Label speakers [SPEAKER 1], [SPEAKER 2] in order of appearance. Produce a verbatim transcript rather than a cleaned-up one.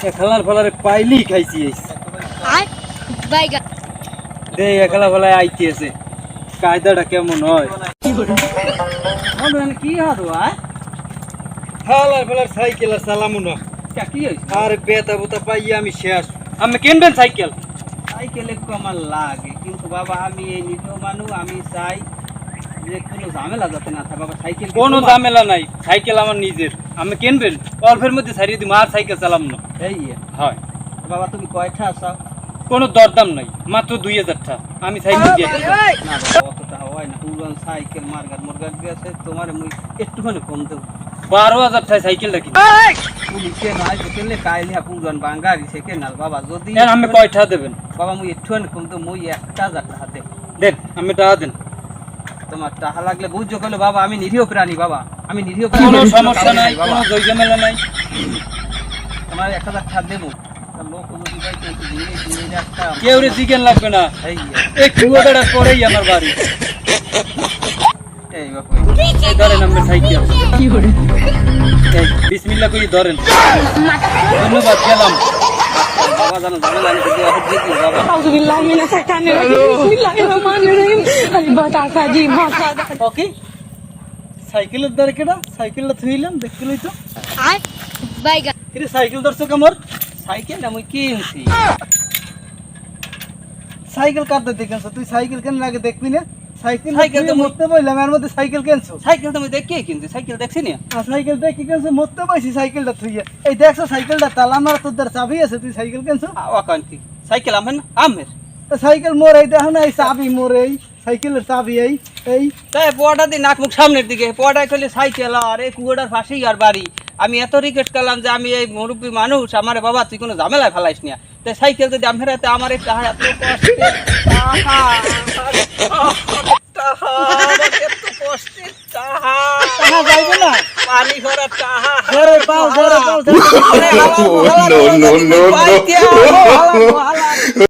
[SPEAKER 1] খেলার ফলারে পাইলি খাইছি
[SPEAKER 2] আর বাইগা
[SPEAKER 1] দে একলা ফলায় আইতে আছে কায়দাটা কেমন হয় কি হাত ভাই খেলার ফলার সাইকেল আর চালামু না কি হয়েছে আর বেতা বুতা পাইয়া আমি শেষ আমি কিনবেন সাইকেল সাইকেল একটু আমার লাগে কিন্তু বাবা আমি এই নিরীহ মানুষ আমি চাই যে কোনো ঝামেলা যাতে না থাকে বাবা সাইকেল কোনো ঝামেলা নাই সাইকেল আমার নিজের আমি কিনবেন অল্পের মধ্যে ছাড়িয়ে দিই মার সাইকেল চালাম না এই হয় বাবা তুমি কয়টা আসাও কোনো দরদাম নাই মাত্র দুই হাজার টাকা আমি সাইকেল দিয়ে না বাবা অতটা হয় না পুরান সাইকেল মার্গার মার্গার দিয়েছে তোমার মুই একটুখানি কম দেবো বারো হাজার টাকা সাইকেলটা কিনে পুলিশে নয় হোটেলে কাইলিয়া পুরান বাঙ্গারি সেকেন্ড না বাবা যদি আমি কয়টা দেবেন বাবা মুই একটুখানি কম দেবো মুই একটা হাজার টাকা দেব দেন আমি টাকা দেন তোমার টাকা লাগলে বুঝছো কইলো বাবা আমি নিরীহ প্রাণী বাবা আমি নিরীহ প্রাণী কোনো সমস্যা নাই কোনো জয়জমেলা নাই তোমার এক হাজার টাকা দেবো লোক যদি ভাই কিন্তু দিনে দিনে একটা কেউ রে চিকেন লাগবে না এই কুয়াটা পরেই আমার বাড়ি এই বাপু এই ধরেন আমার সাইকেল কি করে এই বিসমিল্লাহ কই ধরেন ধন্যবাদ গেলাম বাবা জানো ঝামেলা আমি যদি এখন জিত বাবা
[SPEAKER 2] আউযুবিল্লাহি মিনাশ শাইতানির রাজিম বিসমিল্লাহির রহমানির রহিম আল বাতাসা জি ভাষা
[SPEAKER 1] ওকে সাইকেলের দ্বারা কেডা সাইকেলটা থইলাম দেখছিলই তো
[SPEAKER 2] আর বাইগা
[SPEAKER 1] এর সাইকেল ধরছো কামর সাইকেল আমি কিনছি সাইকেল কাটতে দেখেছ তুই সাইকেল কেন লাগে দেখবি না সাইকেল সাইকেল তো মরতে বললাম এর মধ্যে সাইকেল কেনছো সাইকেল তুমি দেখে কিনছি সাইকেল দেখছি না আর সাইকেল দেখি কেনছো মরতে পাইছি সাইকেলটা থুইয়া এই দেখছো সাইকেলটা তালা মারা তোর দ্বার চাবি আছে তুই সাইকেল কেনছো আকান্তি সাইকেল আমেন আমের সাইকেল মোর এই দেখো না এই চাবি মোর এই সাইকেলের চাবি এই এই তাই পোয়াটা দি নাক মুখ সামনের দিকে পোয়াটা কইলে সাইকেল আর এই কুয়াটার পাশেই আর বাড়ি আমি এত রিকোয়েস্ট করলাম যে আমি এই মুরব্বী মানুষ আমার বাবা তুই কোনো ঝামেলায় ফেলাইস না তাই সাইকেল যদি আমি ফেরাতে আমার এই টাহা এত কষ্টে টাহা টাহা এত কষ্টে টাহা টাহা যাইবে না পানি ভরা টাহা জোরে পাও জোরে পাও নো নো নো নো